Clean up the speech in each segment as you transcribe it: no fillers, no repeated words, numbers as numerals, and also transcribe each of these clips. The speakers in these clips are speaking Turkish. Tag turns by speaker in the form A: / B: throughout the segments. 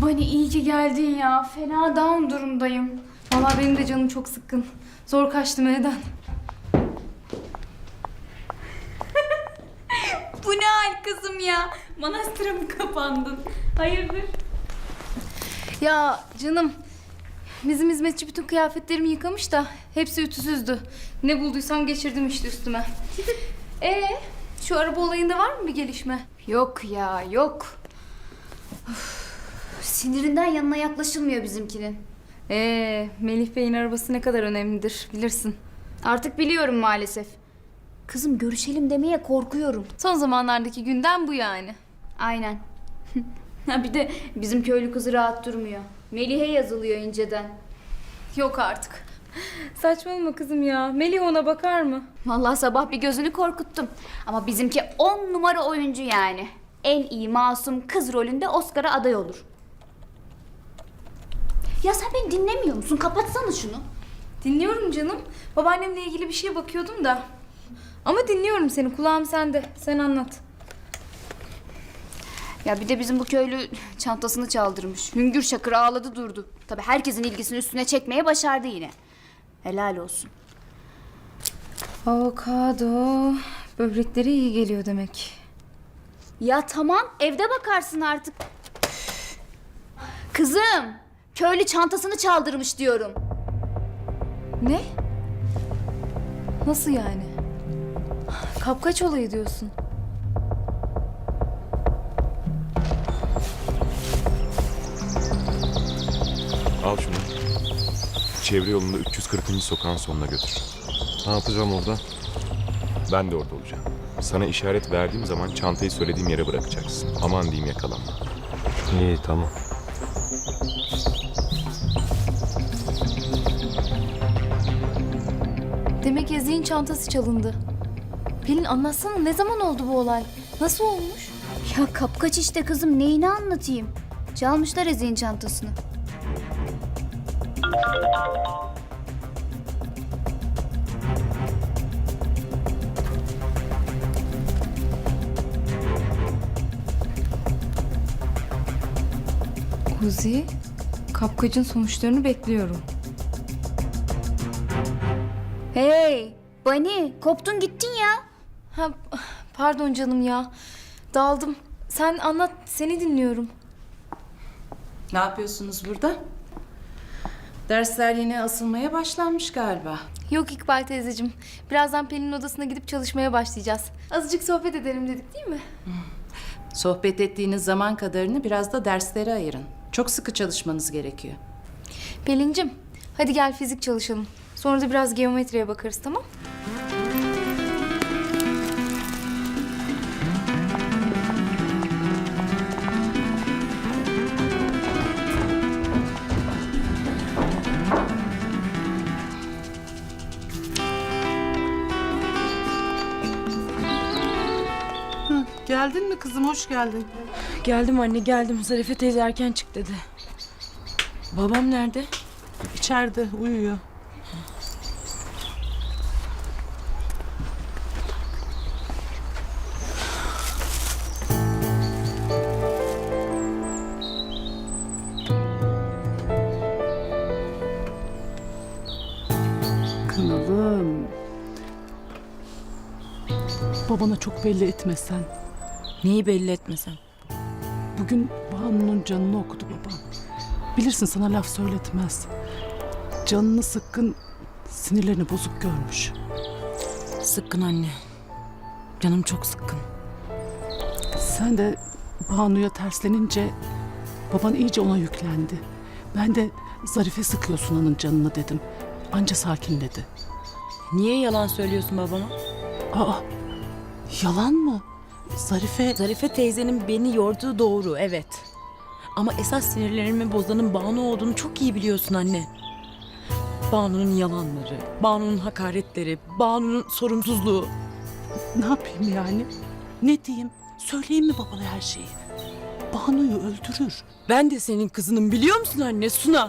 A: Bani iyi ki geldin ya. Fena down durumdayım. Vallahi benim de canım çok sıkkın. Zor kaçtım evden. Bu ne hal kızım ya? Manastıra mı kapandın? Hayırdır? Ya canım, bizim hizmetçi bütün kıyafetlerimi yıkamış da hepsi ütüsüzdü. Ne bulduysam geçirdim işte üstüme. Şu araba olayında var mı bir gelişme?
B: Yok ya, yok. Üf, sinirinden yanına yaklaşılmıyor bizimkinin.
A: Melih Bey'in arabası ne kadar önemlidir bilirsin.
B: Artık biliyorum maalesef. Kızım görüşelim demeye korkuyorum.
A: Son zamanlardaki gündem bu yani.
B: Aynen. Ha bir de bizim köylü kızı rahat durmuyor. Melih'e yazılıyor inceden.
A: Yok artık. Saçmalama kızım ya. Melih ona bakar mı?
B: Vallahi sabah bir gözünü korkuttum. Ama bizimki 10 numara oyuncu yani. En iyi masum kız rolünde Oscar'a aday olur. Ya sen beni dinlemiyor musun? Kapatsana şunu.
A: Dinliyorum canım. Babaannemle ilgili bir şeye bakıyordum da. Ama dinliyorum seni. Kulağım sende. Sen anlat.
B: Ya bir de bizim bu köylü çantasını çaldırmış. Hüngür şakır ağladı durdu. Tabii herkesin ilgisini üstüne çekmeye başardı yine. Helal olsun.
A: Avokado. Böbrekleri iyi geliyor demek.
B: Ya tamam evde bakarsın artık. Kızım köylü çantasını çaldırmış diyorum.
A: Ne? Nasıl yani? Kapkaç olayı diyorsun.
C: Al şunu. Çevre yolunda 340. sokağın sonuna götür.
D: Ne yapacağım orada?
C: Ben de orada olacağım. Sana işaret verdiğim zaman çantayı söylediğim yere bırakacaksın. Aman diyeyim yakalanma.
D: İyi, tamam.
A: Demek Ezgi'nin çantası çalındı. Pelin anlatsana, ne zaman oldu bu olay? Nasıl olmuş?
B: Ya kapkaç işte kızım neyini anlatayım. Çalmışlar Ezgi'nin çantasını.
A: Kuzi, kapkacın sonuçlarını bekliyorum.
B: Hey Bani koptun gittin ya.
A: Ha, pardon canım ya. Daldım. Sen anlat, seni dinliyorum.
E: Ne yapıyorsunuz burada? Dersler yine asılmaya başlanmış galiba.
A: Yok İkbal teyzeciğim. Birazdan Pelin'in odasına gidip çalışmaya başlayacağız. Azıcık sohbet edelim dedik değil mi?
E: Sohbet ettiğiniz zaman kadarını biraz da derslere ayırın. Çok sıkı çalışmanız gerekiyor.
A: Pelin'cim, hadi gel fizik çalışalım. Sonra da biraz geometriye bakarız, tamam?
F: Geldin mi kızım? Hoş geldin.
G: Geldim anne geldim. Zarife teyze erken çık dedi. Babam nerede?
F: İçeride uyuyor. Kınalım. Babana çok belli etmesen.
G: Neyi belli etmesem?
F: Bugün Banu'nun canını okudu babam. Bilirsin sana laf söyletmez. Canını sıkkın, sinirlerini bozuk görmüş.
G: Sıkkın anne. Canım çok sıkkın.
F: Sen de Banu'ya terslenince baban iyice ona yüklendi. Ben de Zarife sıkıyor Sunan'ın canını dedim. Anca sakinledi.
G: Niye yalan söylüyorsun babama?
F: Aa, yalan mı?
G: Zarife teyzenin beni yorduğu doğru, evet. Ama esas sinirlerimi bozanın Banu olduğunu çok iyi biliyorsun anne. Banu'nun yalanları, Banu'nun hakaretleri, Banu'nun sorumsuzluğu.
F: Ne yapayım yani? Ne diyeyim? Söyleyeyim mi babana her şeyi? Banu'yu öldürür.
G: Ben de senin kızınım biliyor musun anne, Suna?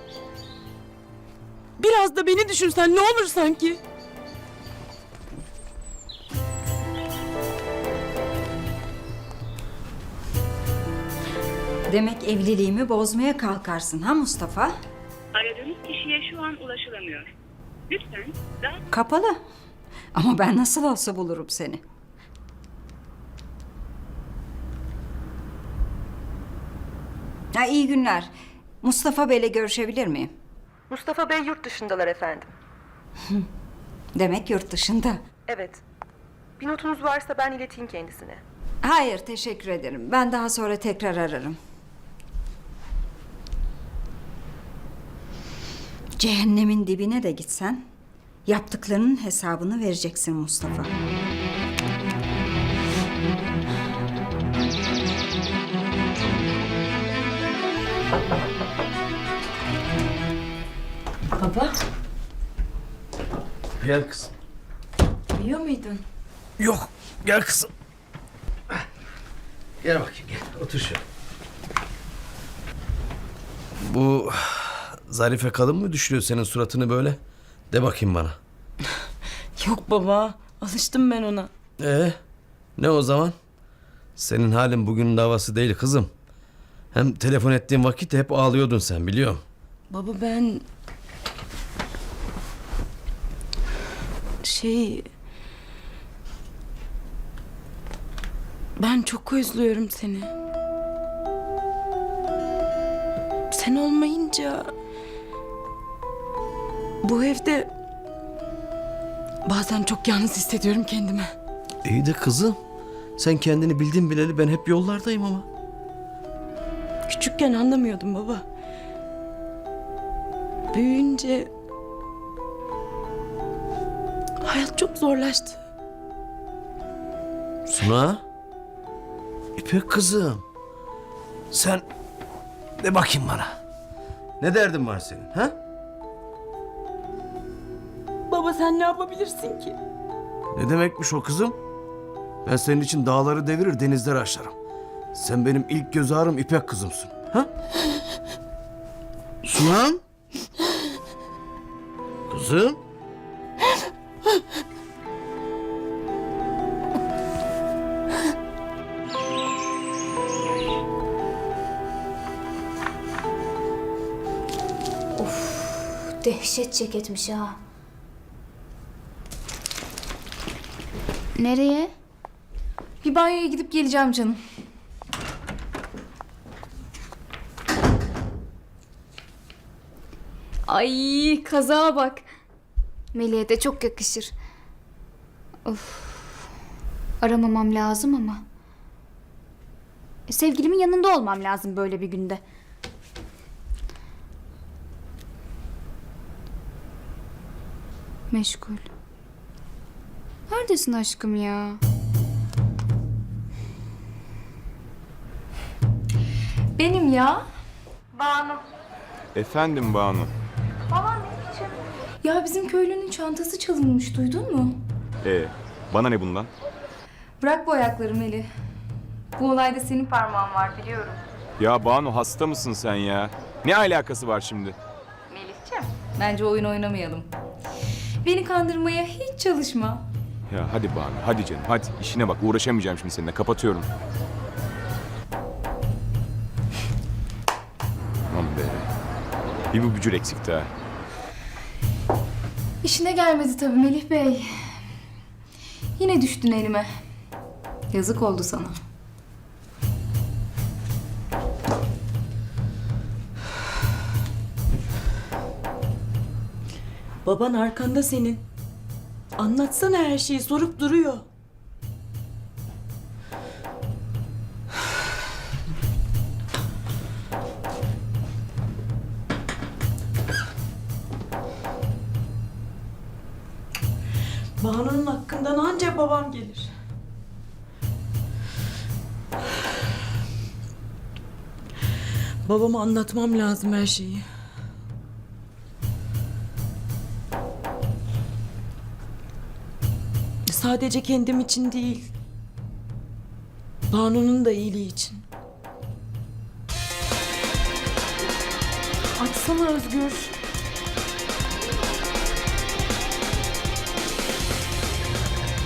G: Biraz da beni düşünsen ne olur sanki?
H: Demek evliliğimi bozmaya kalkarsın ha Mustafa?
I: Aradığınız kişiye şu an ulaşılamıyor. Lütfen daha...
H: Kapalı. Ama ben nasıl olsa bulurum seni. Ha, iyi günler. Mustafa Bey'le görüşebilir miyim?
J: Mustafa Bey yurt dışındalar efendim.
H: Demek yurt dışında.
J: Evet. Bir notunuz varsa ben ileteyim kendisine.
H: Hayır, teşekkür ederim. Ben daha sonra tekrar ararım. Cehennemin dibine de gitsen yaptıklarının hesabını vereceksin Mustafa.
A: Baba,
K: Gel kızım.
A: biliyor muydun?
K: Yok, gel kızım. Gel bakayım, gel. Otur şöyle. Bu Zarife kadın mı düşürüyor senin suratını böyle? De bakayım bana.
G: Yok baba, alıştım ben ona.
K: Ne o zaman? Senin halin bugünün davası değil kızım. Hem telefon ettiğin vakit hep ağlıyordun sen, biliyorum.
G: Baba ben... Ben çok özlüyorum seni. Sen olmayınca... Bu evde... Bazen çok yalnız hissediyorum kendimi.
K: İyi de kızım. Sen kendini bildin bileli ben hep yollardayım ama.
G: Küçükken anlamıyordum baba. Büyüyünce... Hayat çok zorlaştı.
K: Suna. İpek kızım. Sen de bakayım bana. Ne derdin var senin ha?
G: Baba sen ne yapabilirsin ki?
K: Ne demekmiş o kızım? Ben senin için dağları devirir denizleri aşarım. Sen benim ilk göz ağrım İpek kızımsın. Ha? Sunam? Kızım?
B: Dehşet ceketmiş ha. Nereye?
A: Bir banyoya gidip geleceğim canım. Ay kazağa bak.
B: Melih'e de çok yakışır. Of. Aramamam lazım ama. Sevgilimin yanında olmam lazım böyle bir günde. Meşgul. Neredesin aşkım ya?
A: Benim ya.
C: Efendim Banu.
A: Ya bizim köylünün çantası çalınmış, duydun mu?
C: Bana ne bundan?
A: Bırak bu ayakları Melih. Bu olayda senin parmağın var biliyorum.
C: Ya Banu hasta mısın sen ya? Ne alakası var şimdi?
A: Melihciğim. Bence oyun oynamayalım. Beni kandırmaya hiç çalışma.
C: Ya hadi Banu, hadi canım, hadi. İşine bak, uğraşamayacağım şimdi seninle. Kapatıyorum. Aman be. Bir bu bücür eksikti ha.
A: İşine gelmedi tabii Melih Bey. Yine düştün elime. Yazık oldu sana.
G: Baban arkanda senin. Anlatsana her şeyi, sorup duruyor. Banu'nun hakkından ancak babam gelir. Babama anlatmam lazım her şeyi. Sadece kendim için değil. Banu'nun da iyiliği için.
A: Açsana Özgür.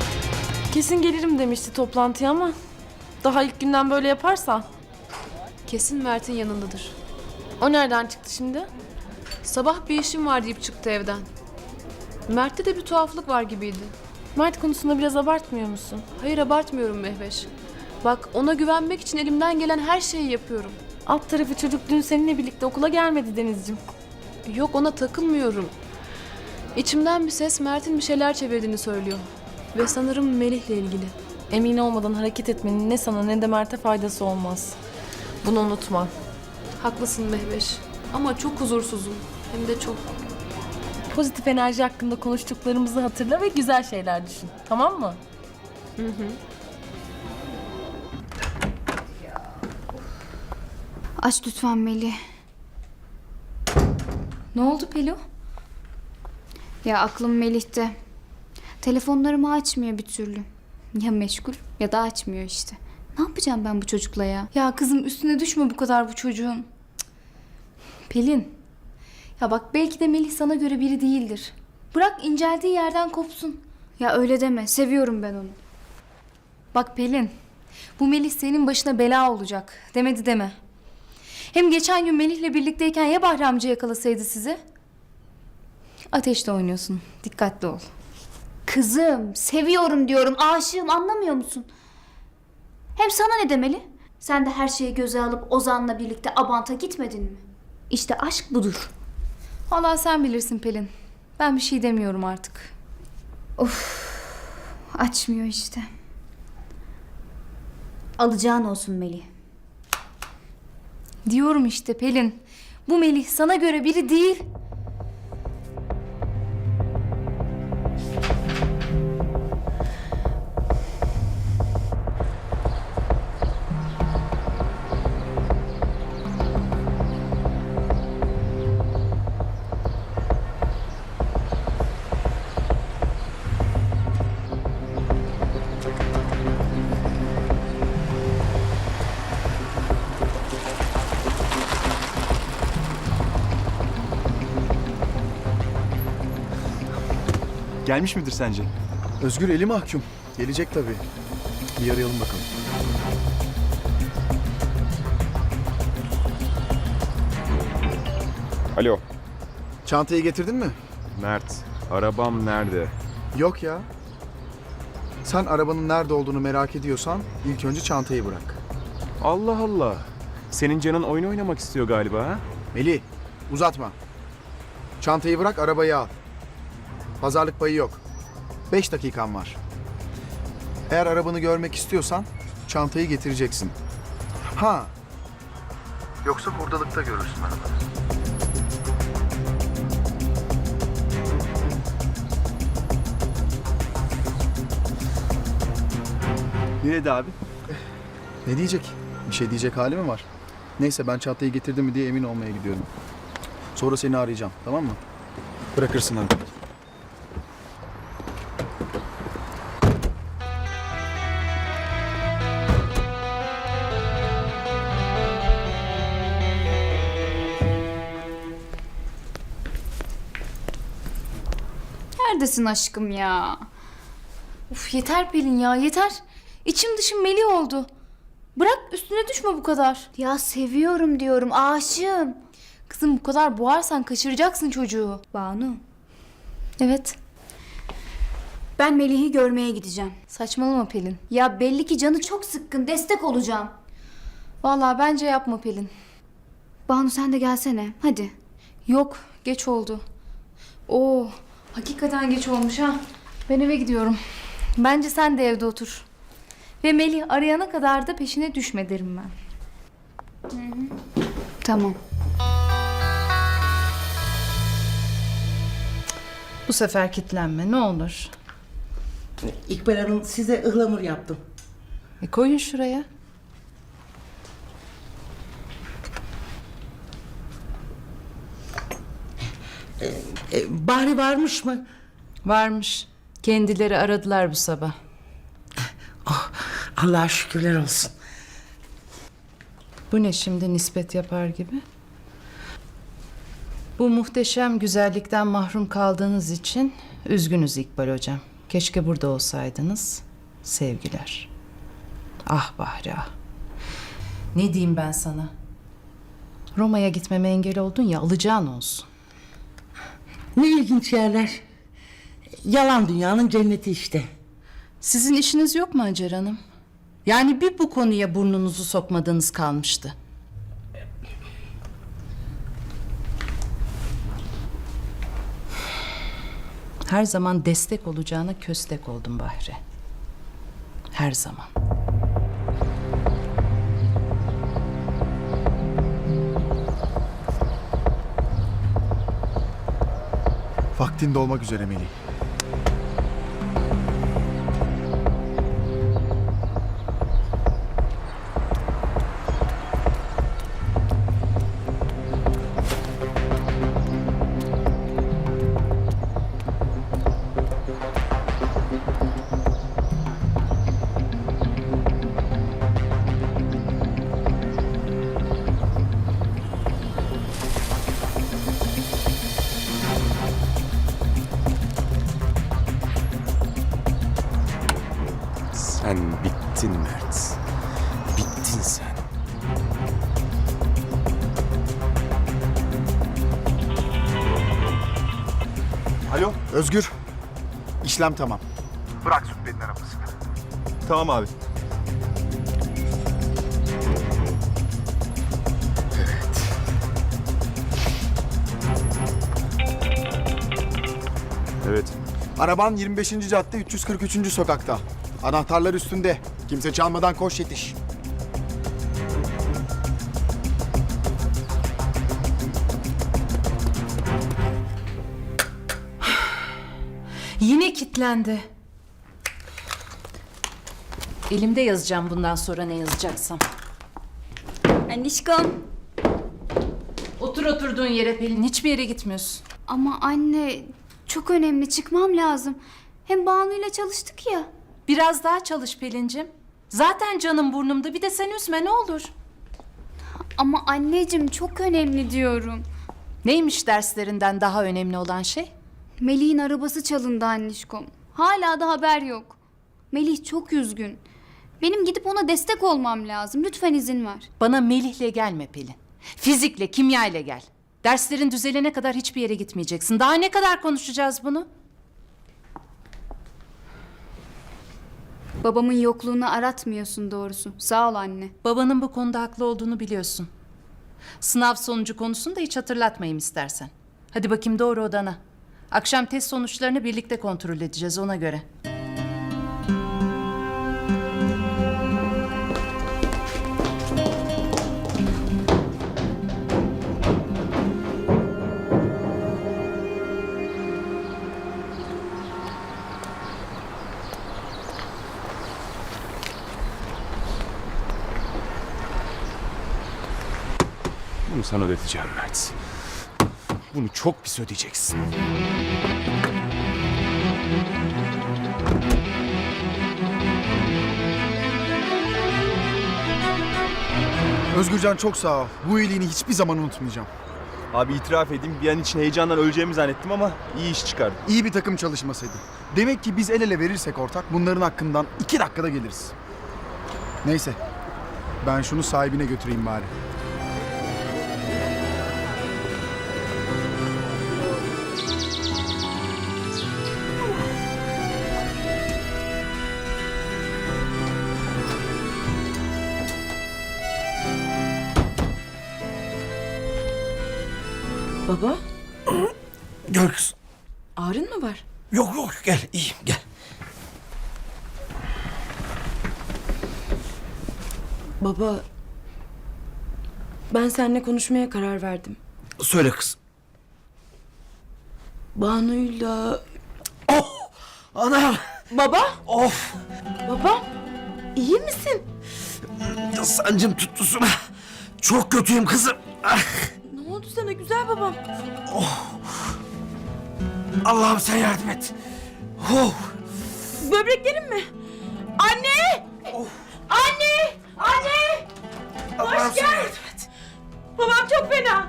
L: Kesin gelirim demişti toplantıya ama daha ilk günden böyle yaparsa kesin Mert'in yanındadır.
G: O nereden çıktı şimdi?
L: Sabah bir işim var deyip çıktı evden. Mert'te de bir tuhaflık var gibiydi.
G: Mert konusunda biraz abartmıyor musun?
L: Hayır, abartmıyorum Mehveş. Bak, ona güvenmek için elimden gelen her şeyi yapıyorum.
G: Alt tarafı çocuk dün seninle birlikte okula gelmedi Denizciğim.
L: Yok, ona takılmıyorum. İçimden bir ses Mert'in bir şeyler çevirdiğini söylüyor. Ve sanırım Melih'le ilgili.
G: Emin olmadan hareket etmenin ne sana ne de Mert'e faydası olmaz. Bunu unutma.
L: Haklısın Mehveş. Ama çok huzursuzum. Hem de çok.
G: Pozitif enerji hakkında konuştuklarımızı hatırla ve güzel şeyler düşün. Tamam mı?
B: Aç lütfen Melih.
A: Ne oldu Pelo?
B: Ya aklım Melih'te. Telefonlarımı açmıyor bir türlü. Ya meşgul ya da açmıyor işte. Ne yapacağım ben bu çocukla ya?
A: Ya kızım üstüne düşme bu kadar bu çocuğun. Cık. Pelin. Ya bak belki de Melih sana göre biri değildir. Bırak inceldiği yerden kopsun.
B: Ya öyle deme. Seviyorum ben onu.
A: Bak Pelin. Bu Melih senin başına bela olacak. Demedi deme. Hem geçen gün Melih'le birlikteyken ya Bahri amca yakalasaydı sizi? Ateşle oynuyorsun. Dikkatli ol.
B: Kızım, seviyorum diyorum. Aşığım, anlamıyor musun? Hem sana ne demeli? Sen de her şeyi göze alıp Ozan'la birlikte Abant'a gitmedin mi? İşte aşk budur.
A: Vallahi sen bilirsin Pelin. Ben bir şey demiyorum artık.
B: Açmıyor işte. Alacağın olsun Melih.
A: Diyorum işte Pelin. Bu Melih sana göre biri değil.
M: Gelmiş midir sence?
K: Özgür eli mahkum. Gelecek tabii. Bir arayalım bakalım.
C: Alo,
K: Çantayı getirdin mi?
C: Mert. Arabam nerede?
K: Yok ya. Sen arabanın nerede olduğunu merak ediyorsan ilk önce çantayı bırak.
C: Allah Allah. Senin canın oyun oynamak istiyor galiba ha?
K: Melih, uzatma. Çantayı bırak, arabayı al. Pazarlık payı yok. 5 dakikan var. Eğer arabanı görmek istiyorsan çantayı getireceksin. Ha. Yoksa hurdalıkta görürsün arabanı.
M: Nerede abi?
K: Ne diyecek? Bir şey diyecek hali mi var? Neyse ben çantayı getirdim mi diye emin olmaya gidiyorum. Sonra seni arayacağım, tamam mı? Bırakırsın hadi.
B: Neredesin aşkım ya?
A: Uf yeter Pelin ya yeter. İçim dışım Melih oldu. Bırak üstüne düşme bu kadar.
B: Ya seviyorum diyorum, aşığım.
A: Kızım bu kadar boğarsan kaçıracaksın çocuğu.
B: Banu,
A: Evet.
B: ben Melih'i görmeye gideceğim.
A: Saçmalama Pelin.
B: Ya belli ki canı çok sıkkın, destek olacağım.
A: Vallahi bence yapma Pelin.
B: Banu sen de gelsene, hadi.
A: Yok geç oldu. Oo hakikaten geç olmuş ha. Ben eve gidiyorum. Bence sen de evde otur. Ve Melih arayana kadar da peşine düşme derim ben.
B: Tamam.
E: Bu sefer kitlenme ne olur.
N: İkbal Hanım size ıhlamur yaptım.
E: Koyun şuraya.
N: Bahri varmış mı?
E: Varmış. Kendileri aradılar bu sabah.
N: Oh, Allah'a şükürler olsun.
E: Bu ne şimdi nispet yapar gibi? Bu muhteşem güzellikten mahrum kaldığınız için üzgünüz İkbal hocam. Keşke burada olsaydınız. Sevgiler. Ah Bahri ah. Ne diyeyim ben sana? Roma'ya gitmeme engel oldun ya, alacağın olsun.
N: Ne ilginç yerler. Yalan dünyanın cenneti işte.
E: Sizin işiniz yok mu Hacer Hanım? Yani bir bu konuya burnunuzu sokmadığınız kalmıştı. Her zaman destek olacağına köstek oldum Bahri. Her zaman.
K: Vaktinde olmak üzere Melih.
C: Sen bittin Mert. Bittin sen.
K: Alo Özgür. İşlem tamam. Bırak Zübbe'nin arabasını.
M: Tamam abi. Evet.
K: Araban 25. cadde 343. sokakta. Anahtarlar üstünde. Kimse çalmadan koş yetiş.
E: Yine kilitlendi. Elimde yazacağım bundan sonra ne yazacaksam.
B: Anişkom.
E: Otur oturduğun yere Pelin. Hiçbir yere gitmiyorsun.
B: Ama anne çok önemli, çıkmam lazım. Hem Banu'yla çalıştık ya.
E: Biraz daha çalış Pelin'cim. Zaten canım burnumda. Bir de sen üzme ne olur.
B: Ama anneciğim çok önemli diyorum.
E: Neymiş derslerinden daha önemli olan şey?
B: Melih'in arabası çalındı Anişkom. Hala da haber yok. Melih çok üzgün. Benim gidip ona destek olmam lazım. Lütfen izin ver.
E: Bana Melih'le gelme Pelin. Fizikle, kimyayla gel. Derslerin düzelene kadar hiçbir yere gitmeyeceksin. Daha ne kadar konuşacağız bunu?
B: Babamın yokluğunu aratmıyorsun doğrusu. Sağ ol anne.
E: Babanın bu konuda haklı olduğunu biliyorsun. Sınav sonucu konusunu da hiç hatırlatmayayım istersen. Hadi bakayım doğru odana. Akşam test sonuçlarını birlikte kontrol edeceğiz ona göre.
C: Bunu sana ödeteceğim Mert. Bunu çok pis ödeyeceksin.
K: Özgürcan çok sağ ol. Bu iyiliğini hiçbir zaman unutmayacağım.
M: Abi itiraf edeyim, bir an için heyecandan öleceğimi zannettim ama iyi iş çıkardı.
K: İyi bir takım çalışmasaydı. Demek ki biz el ele verirsek ortak bunların hakkından 2 dakikada geliriz. Neyse. Ben şunu sahibine götüreyim bari.
G: Baba,
N: Gel kız.
G: ağrın mı var?
N: Yok yok gel iyiyim gel.
G: Baba, ben seninle konuşmaya karar verdim.
N: Söyle kız.
G: Banu'yla...
N: Oh! Anam!
G: Baba,
N: Of!
G: baba, iyi misin?
N: Sancım tuttu sana. Çok kötüyüm kızım. Ah!
G: Ne oldu sana güzel babam?
N: Allah'ım sen yardım et. Oh!
G: Böbreklerin mi? Anne! Anne! Anne!
N: Allah'ım sen yardım et.
G: Babam çok fena.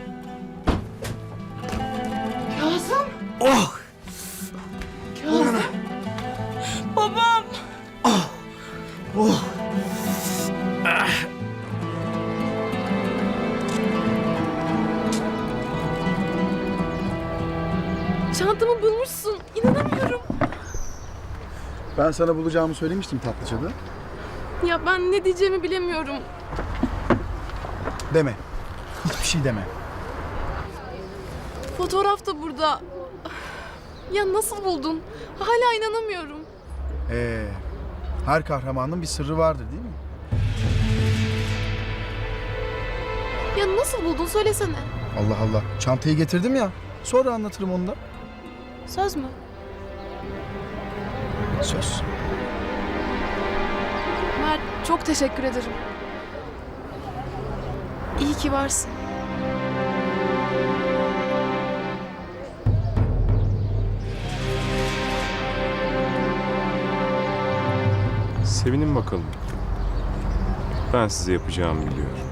G: Kazım!
N: Oh!
G: Kazım! Babam!
N: Oh!
K: Ben sana bulacağımı söylemiştim Tatlıca'da.
L: Ya ben ne diyeceğimi bilemiyorum.
K: Deme. Hiçbir şey deme.
L: Fotoğraf da burada. Ya nasıl buldun? Hala inanamıyorum.
K: Her kahramanın bir sırrı vardır değil mi?
L: Ya nasıl buldun söylesene.
K: Allah Allah. Çantayı getirdim ya. Sonra anlatırım onu da.
L: Söz mü?
K: Söz.
L: Mert çok teşekkür ederim. İyi ki varsın.
C: Sevinin bakalım. Ben size yapacağımı biliyorum.